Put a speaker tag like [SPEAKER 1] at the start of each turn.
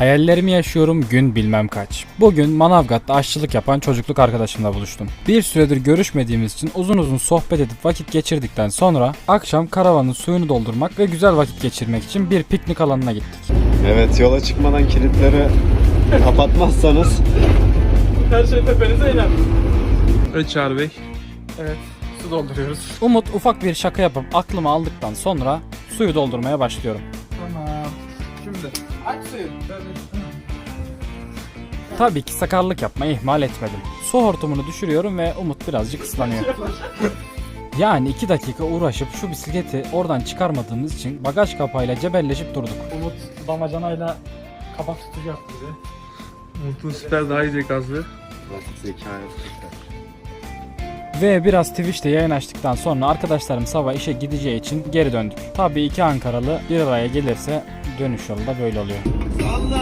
[SPEAKER 1] Hayallerimi yaşıyorum, gün bilmem kaç. Bugün Manavgat'ta aşçılık yapan çocukluk arkadaşımla buluştum. Bir süredir görüşmediğimiz için uzun uzun sohbet edip vakit geçirdikten sonra akşam karavanın suyunu doldurmak ve güzel vakit geçirmek için bir piknik alanına gittik.
[SPEAKER 2] Evet, yola çıkmadan kilitleri kapatmazsanız.
[SPEAKER 3] Her şey tepenize iner. Evet Çağrı Bey.
[SPEAKER 1] Evet, su dolduruyoruz. Umut ufak bir şaka yapıp aklımı aldıktan sonra suyu doldurmaya başlıyorum.
[SPEAKER 3] Tamam. Şimdi aç suyu.
[SPEAKER 1] Tabii ki sakarlık yapmayı ihmal etmedim. Su hortumunu düşürüyorum ve Umut birazcık ıslanıyor. Yani 2 dakika uğraşıp şu bisikleti oradan çıkarmadığımız için bagaj kapağıyla cebelleşip durduk.
[SPEAKER 3] Umut damacanayla kapak tutucu yaptı bize. Umut'un süper daha iyi zekası.
[SPEAKER 1] Ve biraz Twitch'te yayın açtıktan sonra arkadaşlarım sabah işe gideceği için geri döndük. Tabii iki Ankaralı bir araya gelirse dönüş yolu da böyle oluyor.